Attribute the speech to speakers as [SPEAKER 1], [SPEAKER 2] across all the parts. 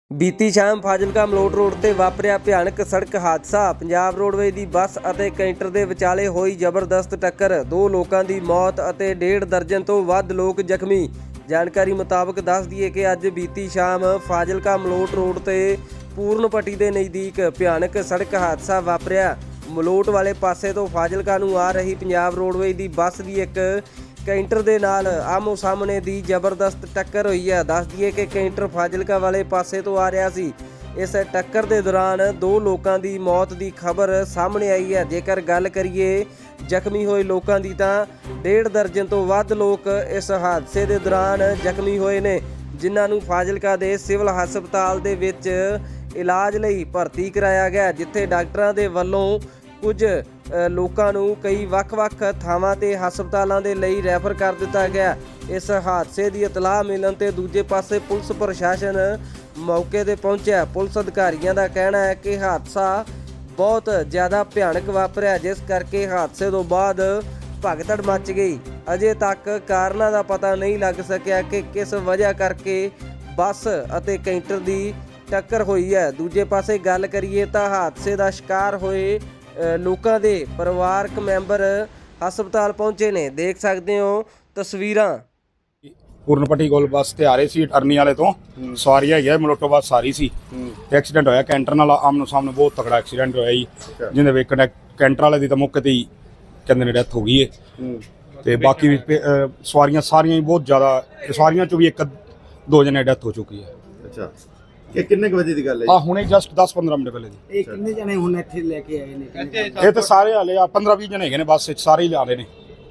[SPEAKER 1] ਬੀਤੀ ਸ਼ਾਮ ਫਾਜ਼ਿਲਕਾ ਮਲੋਟ ਰੋਡ ਤੇ ਵਾਪਰਿਆ ਭਿਆਨਕ ਸੜਕ ਹਾਦਸਾ। ਪੰਜਾਬ ਰੋਡਵੇਜ਼ ਦੀ ਬੱਸ ਅਤੇ ਕੈਂਟਰ ਦੇ ਵਿਚਾਲੇ ਹੋਈ ਜ਼ਬਰਦਸਤ ਟੱਕਰ। 2 ਲੋਕਾਂ ਦੀ ਮੌਤ ਅਤੇ 1.5 ਦਰਜਨ ਤੋਂ ਵੱਧ ਲੋਕ ਜ਼ਖਮੀ। ਜਾਣਕਾਰੀ ਮੁਤਾਬਕ ਦੱਸ ਦਈਏ ਕਿ ਅੱਜ ਬੀਤੀ ਸ਼ਾਮ ਫਾਜ਼ਿਲਕਾ ਮਲੋਟ ਰੋਡ ਤੇ ਪੂਰਨਪੱਟੀ ਦੇ ਨਜ਼ਦੀਕ ਭਿਆਨਕ ਸੜਕ ਹਾਦਸਾ ਵਾਪਰਿਆ। ਮਲੋਟ ਵਾਲੇ ਪਾਸੇ ਤੋਂ ਫਾਜ਼ਿਲਕਾ ਨੂੰ ਆ ਰਹੀ ਪੰਜਾਬ ਰੋਡਵੇਜ਼ ਦੀ ਬੱਸ ਦੀ ਇੱਕ ਕੈਂਟਰ ਦੇ ਨਾਲ ਆਮੋ ਸਾਹਮਣੇ ਦੀ ਜ਼ਬਰਦਸਤ ਟੱਕਰ ਹੋਈ ਹੈ। ਦੱਸ ਦਈਏ ਕਿ ਕੈਂਟਰ ਫਾਜ਼ਿਲਕਾ ਵਾਲੇ ਪਾਸੇ ਤੋਂ ਆ ਰਿਹਾ ਸੀ। ਇਸ ਟੱਕਰ ਦੇ ਦੌਰਾਨ 2 ਲੋਕਾਂ ਦੀ ਮੌਤ ਦੀ ਖਬਰ ਸਾਹਮਣੇ ਆਈ ਹੈ। ਜੇਕਰ ਗੱਲ ਕਰੀਏ ਜ਼ਖਮੀ ਹੋਏ ਲੋਕਾਂ ਦੀ ਤਾਂ 1.5 ਦਰਜਨ ਤੋਂ ਵੱਧ ਲੋਕ ਇਸ ਹਾਦਸੇ ਦੇ ਦੌਰਾਨ ਜ਼ਖਮੀ ਹੋਏ ਨੇ, ਜਿਨ੍ਹਾਂ ਨੂੰ ਫਾਜ਼ਿਲਕਾ ਦੇ ਸਿਵਲ ਹਸਪਤਾਲ ਦੇ ਵਿੱਚ ਇਲਾਜ ਲਈ ਭਰਤੀ ਕਰਾਇਆ ਗਿਆ, ਜਿੱਥੇ ਡਾਕਟਰਾਂ ਦੇ ਵੱਲੋਂ ਕੁਝ ਲੋਕਾਂ ਨੂੰ ਕਈ ਵੱਖ-ਵੱਖ ਥਾਵਾਂ ਤੇ ਹਸਪਤਾਲਾਂ ਦੇ ਲਈ ਰੈਫਰ ਕਰ ਦਿੱਤਾ ਗਿਆ। ਇਸ ਹਾਦਸੇ ਦੀ ਇਤਲਾਹ ਮਿਲਣ ਤੇ ਦੂਜੇ ਪਾਸੇ ਪੁਲਿਸ ਪ੍ਰਸ਼ਾਸਨ ਮੌਕੇ ਤੇ ਪਹੁੰਚਿਆ। ਪੁਲਿਸ ਅਧਿਕਾਰੀਆਂ ਦਾ ਕਹਿਣਾ ਹੈ ਕਿ ਹਾਦਸਾ ਬਹੁਤ ਜ਼ਿਆਦਾ ਭਿਆਨਕ ਵਾਪਰਿਆ, ਜਿਸ ਕਰਕੇ ਹਾਦਸੇ ਤੋਂ ਬਾਅਦ ਭਗਦੜ ਮਚ ਗਈ। ਅਜੇ ਤੱਕ ਕਾਰਨਾਂ ਦਾ ਪਤਾ ਨਹੀਂ ਲੱਗ ਸਕਿਆ ਕਿ ਕਿਸ ਵਜ੍ਹਾ ਕਰਕੇ ਬੱਸ ਅਤੇ ਕੈਂਟਰ ਦੀ ਟੱਕਰ ਹੋਈ ਹੈ। ਦੂਜੇ ਪਾਸੇ ਗੱਲ ਕਰੀਏ ਤਾਂ ਹਾਦਸੇ ਦਾ ਸ਼ਿਕਾਰ ਹੋਏ ਲੋਕਾਂ ਦੇ ਪਰਿਵਾਰਕ ਮੈਂਬਰ ਹਸਪਤਾਲ ਪਹੁੰਚੇ ਨੇ। ਦੇਖ ਸਕਦੇ ਹੋ ਤਸਵੀਰਾਂ।
[SPEAKER 2] ਪੂਰਨਪੱਟੀ ਕੋਲ ਬੱਸ ਤੇ ਆ ਰਹੇ ਸੀ ਅਟਰਨੀ ਵਾਲੇ ਤੋਂ, ਸਵਾਰੀ ਹੈਗੀ ਮਲੋਟੋ ਬੱਸ ਸਾਰੀ ਸੀ। ਐਕਸੀਡੈਂਟ ਹੋਇਆ ਕੈਂਟਰ ਨਾਲ, ਆਮਨੋ ਸਾਹਮਣੇ ਬਹੁਤ ਤਕੜਾ ਐਕਸੀਡੈਂਟ ਹੋਇਆ ਜੀ, ਜਿਹਦੇ ਵਿੱਚ ਕੈਂਟਰ ਵਾਲੇ ਦੀ ਤਾਂ ਮੌਕੇ ਤੇ ਹੀ ਕਹਿੰਦੇ ਨੇ ਡੈਥ ਹੋ ਗਈ ਹੈ। ਤੇ ਬਾਕੀ ਵੀ ਸਵਾਰੀਆਂ ਸਾਰੀਆਂ ਹੀ ਬਹੁਤ ਜ਼ਿਆਦਾ, ਸਵਾਰੀਆਂ ਚੋਂ ਵੀ 1-2 ਜਣੇ ਡੈਥ ਹੋ ਚੁੱਕੀ ਹੈ।
[SPEAKER 3] ਅੱਛਾ, ਇਹ ਕਿੰਨੇ ਕੁ ਵਜੇ ਦੀ ਗੱਲ ਹੈ?
[SPEAKER 2] ਹੁਣੇ ਜਸਟ 10-15 ਮਿੰਟ ਪਹਿਲੇ ਦੀ।
[SPEAKER 4] ਇਹ ਕਿੰਨੇ ਜਣੇ ਹੁਣ ਇੱਥੇ ਲੈ ਕੇ ਆਏ ਨੇ?
[SPEAKER 2] ਇਹ ਤਾਂ ਸਾਰੇ ਹਾਲੇ 15-20 ਜਣੇ ਹੈਗੇ ਨੇ ਬੱਸ ਵਿੱਚ, ਸਾਰੇ ਹੀ ਲਿਆ ਰਹੇ ਨੇ।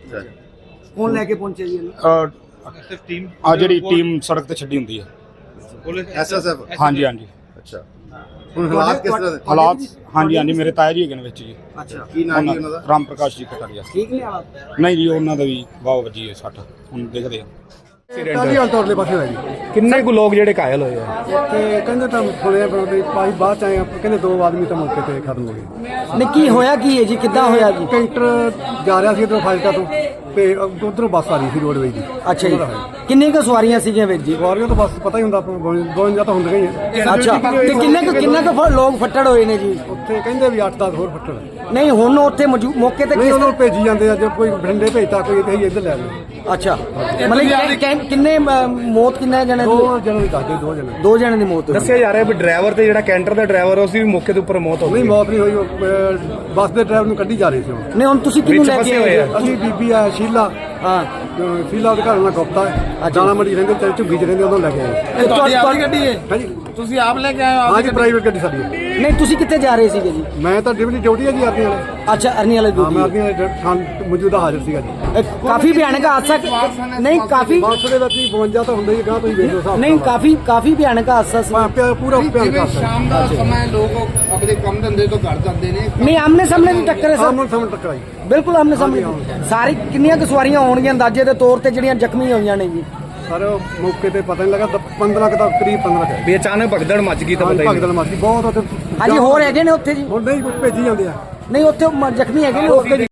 [SPEAKER 4] ਕੌਣ ਲੈ ਕੇ ਪਹੁੰਚੇ ਜੀ ਇਹਨੂੰ?
[SPEAKER 2] ਆ ਜਿਹੜੀ ਟੀਮ ਸੜਕ ਤੇ ਛੱਡੀ ਹੁੰਦੀ ਹੈ,
[SPEAKER 3] ਐਸਐਸਐਫ।
[SPEAKER 2] ਹਾਂਜੀ ਹਾਂਜੀ।
[SPEAKER 3] ਅੱਛਾ, ਹੁਣ ਹਾਲਾਤ ਕਿਸ ਤਰ੍ਹਾਂ ਦੇ?
[SPEAKER 2] ਹਾਲਾਤ ਹਾਂਜੀ ਹਾਂਜੀ, ਮੇਰੇ ਤਾਇਆ ਜੀ ਹੈਗੇ ਨੇ ਵਿੱਚ ਜੀ।
[SPEAKER 4] ਅੱਛਾ,
[SPEAKER 3] ਕੀ ਨਾਮ ਹੈ ਉਹਨਾਂ ਦਾ?
[SPEAKER 2] ਰਾਮ ਪ੍ਰਕਾਸ਼ ਜੀ ਕਟਾਰੀਆ।
[SPEAKER 4] ਠੀਕ ਨੇ ਹਾਲਾਤ?
[SPEAKER 2] ਨਹੀਂ ਜੀ, ਉਹਨਾਂ ਦਾ ਵੀ ਬਹੁਤ ਵੱਜੀ ਹੈ ਸੱਟ, ਹੁਣ ਦੇਖਦੇ ਆ।
[SPEAKER 5] ਟਾਲੀਵਾਲ ਤੋੜਲੇ ਪਾਸੇ ਹੋਇਆ ਜੀ।
[SPEAKER 6] ਕਿੰਨੇ ਕੁ ਲੋਕ ਜਿਹੜੇ ਘਾਇਲ ਹੋਏ ਆ?
[SPEAKER 5] ਤੇ ਕਹਿੰਦੇ ਤਾਂ ਸੁਣਿਆ ਪਰ ਭਾਈ ਬਾਅਦ ਚ ਆਏ ਆ, ਕਹਿੰਦੇ 2 ਆਦਮੀ ਤਾਂ ਮੌਕੇ ਤੇ ਖਤਮ ਹੋ ਗਏ।
[SPEAKER 4] ਨਹੀਂ, ਕੀ ਹੋਇਆ ਕੀ ਹੈ ਜੀ? ਕਿੱਦਾਂ ਹੋਇਆ ਜੀ?
[SPEAKER 5] ਕੈਂਟਰ ਜਾ ਰਿਹਾ ਸੀ ਇੱਧਰੋਂ ਫਾਜ਼ਿਲਕਾ ਤੋਂ, ਤੇ ਉਧਰੋਂ ਬੱਸ ਆ ਰਹੀ ਸੀ ਰੋਡਵੇਜ਼ ਦੀ।
[SPEAKER 4] ਅੱਛਾ ਜੀ, ਕਿੰਨੇ ਕੁ ਸਵਾਰੀਆਂ ਸੀਗੀਆਂ ਵਿੱਚ ਜੀ?
[SPEAKER 5] ਸਵਾਰੀਆਂ ਤਾਂ ਬੱਸ ਪਤਾ ਹੀ ਹੁੰਦਾ ਆਪਾਂ ਨੂੰ, 52 ਤਾਂ ਹੁੰਦੀਆਂ ਹੀ ਆ।
[SPEAKER 4] ਅੱਛਾ, ਤੇ ਕਿੰਨੇ ਕੁ ਲੋਕ ਫੱਟੜ ਹੋਏ ਨੇ ਜੀ?
[SPEAKER 5] ਉੱਥੇ ਕਹਿੰਦੇ ਵੀ 8-10 ਹੋਰ ਫੱਟੜ।
[SPEAKER 4] ਨਹੀਂ, ਹੁਣ ਉੱਥੇ ਮੌਕੇ ਤੇ
[SPEAKER 5] ਨਹੀਂ, ਉਹਨੂੰ ਭੇਜੀ ਜਾਂਦੇ ਆ, ਜੇ ਕੋਈ ਬਠਿੰਡੇ ਭੇਜਤਾ, ਕੋਈ ਇੱਧਰ ਲੈ ਲਓ।
[SPEAKER 4] ਅੱਛਾ, ਮਤਲਬ ਕਿੰਨੇ ਮੌਤ ਕਿੰਨੇ ਜਣੇ?
[SPEAKER 5] 2 ਜਣੇ ਦੀ ਦੱਸਦੇ, 2 ਜਣੇ।
[SPEAKER 4] 2 ਜਣੇ ਦੀ ਮੌਤ ਹੋਈ।
[SPEAKER 6] ਦੱਸਿਆ ਜਾ ਰਿਹਾ ਵੀ ਡਰਾਈਵਰ ਤੇ ਜਿਹੜਾ ਕੈਂਟਰ ਦਾ ਡਰਾਈਵਰ ਉਸ ਦੀ ਵੀ ਮੌਕੇ ਦੇ ਉੱਪਰ ਮੌਤ ਹੋ
[SPEAKER 5] ਨਹੀਂ,
[SPEAKER 6] ਗਈ।
[SPEAKER 5] ਮੌਤ ਨਹੀਂ ਹੋਈ, ਉਹ ਬੱਸ ਦੇ ਡਰਾਈਵਰ ਨੂੰ ਕੱਢੀ ਜਾ ਰਹੀ ਸੀ ਉਹ।
[SPEAKER 4] ਨਹੀਂ, ਹੁਣ ਤੁਸੀਂ ਕਿਹਨੂੰ ਲੈ ਕੇ ਆਏ?
[SPEAKER 5] ਅਸੀਂ ਬੀਬੀ ਆ ਸ਼ੀਲਾ,
[SPEAKER 4] ਹਾਂ,
[SPEAKER 5] ਸ਼ੀਲਾ ਉਹਦੇ ਘਰ ਨਾਲ ਗੁਪਤਾ ਹੈ, ਦਾਣਾ ਮੰਡੀ ਰਹਿੰਦੇ ਤੇ ਝੁੱਗੀ ਚ ਰਹਿੰਦੇ, ਉਹਨਾਂ ਲੈ ਕੇ ਆਏ।
[SPEAKER 4] ਤੁਹਾਡੀ ਗੱਡੀ ਹੈ?
[SPEAKER 5] ਹਾਂਜੀ,
[SPEAKER 6] ਤੁਸੀਂ ਆਪ ਲੈ ਕੇ ਆਏ ਹੋ?
[SPEAKER 5] ਹਾਂਜੀ, ਪ੍ਰਾਈਵੇਟ ਗੱਡੀ ਸਾਡੀ ਹੈ।
[SPEAKER 4] ਨਹੀਂ, ਤੁਸੀਂ ਕਿੱਥੇ ਜਾ ਰਹੇ ਸੀਗੇ ਜੀ?
[SPEAKER 5] ਮੈਂ ਤਾਂ ਡਿਊਟੀ ਹੈ ਜੀ ਅਰਨੀ ਵਾਲੇ।
[SPEAKER 4] ਅੱਛਾ, ਅਰਨੀ ਵਾਲੇ
[SPEAKER 5] ਹਾਂ, ਮੈਂ
[SPEAKER 4] ਦੂਜੀ।
[SPEAKER 5] ਅਰਨੀ ਵਾਲੇ ਮੌਜੂਦਾ ਹਾਜ਼ਰ ਸੀਗਾ ਜੀ।
[SPEAKER 4] ਕਾਫੀ ਭਿਆਨਕ ਹਾਦਸਾ। ਨਹੀਂ, ਕਾਫੀ
[SPEAKER 5] ਬੱਸ ਦੇ ਵਿੱਚ 52 ਤਾਂ ਹੁੰਦਾ ਹੀ, ਗਾਂ ਤੁਸੀਂ ਵੇਖ ਲਓ ਹਿਸਾਬ।
[SPEAKER 4] ਨਹੀਂ, ਕਾਫੀ ਭਿਆਨਕ ਹਾਦਸਾ ਸੀ।
[SPEAKER 5] ਪੂਰਾ ਭਿਆਨਕ ਹਾਦਸਾ।
[SPEAKER 6] ਸ਼ਾਮ ਦਾ ਸਮਾਂ ਲੋਕ ਆਪਣੇ ਕੰਮ ਧੰਦੇ ਤੋਂ ਘਰ ਜਾਂਦੇ ਨੇ।
[SPEAKER 4] ਨਹੀਂ, ਆਮਨੇ ਸਾਹਮਣੇ ਦੀ ਟੱਕਰ ਹੈ ਸਰ।
[SPEAKER 5] ਸਾਹਮਣੇ ਸਾਹਮਣੇ ਟੱਕਰਾਈ।
[SPEAKER 4] ਬਿਲਕੁਲ ਆਮਨੇ ਸਾਹਮਣੇ। ਸਾਰੀ ਕਿੰਨੀਆਂ ਕੁ ਸਵਾਰੀਆਂ ਹੋਣਗੀਆਂ ਅੰਦਾਜ਼ੇ ਦੇ ਤੌਰ ਤੇ ਜਿਹੜੀਆਂ ਜ਼ਖਮੀ ਹੋਈਆਂ ਨੇ ਜੀ?
[SPEAKER 5] ਸਰ ਮੌਕੇ ਤੇ ਪਤਾ ਨਹੀਂ ਲੱਗਾ, 15 ਦਾ ਕਰੀਬ 15 ਹੈ।
[SPEAKER 6] ਵੀ ਅਚਾਨਕ ਭਗਦੜ ਮੱਚ ਗਈ ਤਾਂ ਪਤਾ ਹੀ ਨਹੀਂ।
[SPEAKER 5] ਭਗਦੜ ਮਾਰੀ ਬਹੁਤ ਉੱਥੇ।
[SPEAKER 4] ਹਾਂਜੀ, ਹੋਰ ਹੈਗੇ ਨੇ ਉੱਥੇ ਜੀ?
[SPEAKER 5] ਹੁਣ ਨਹੀਂ ਭੇਜੀ ਜਾਂਦੇ ਆ।
[SPEAKER 4] ਨਹੀਂ, ਉੱਥੇ ਜ਼ਖਮੀ ਹੈਗੇ ਨੇ।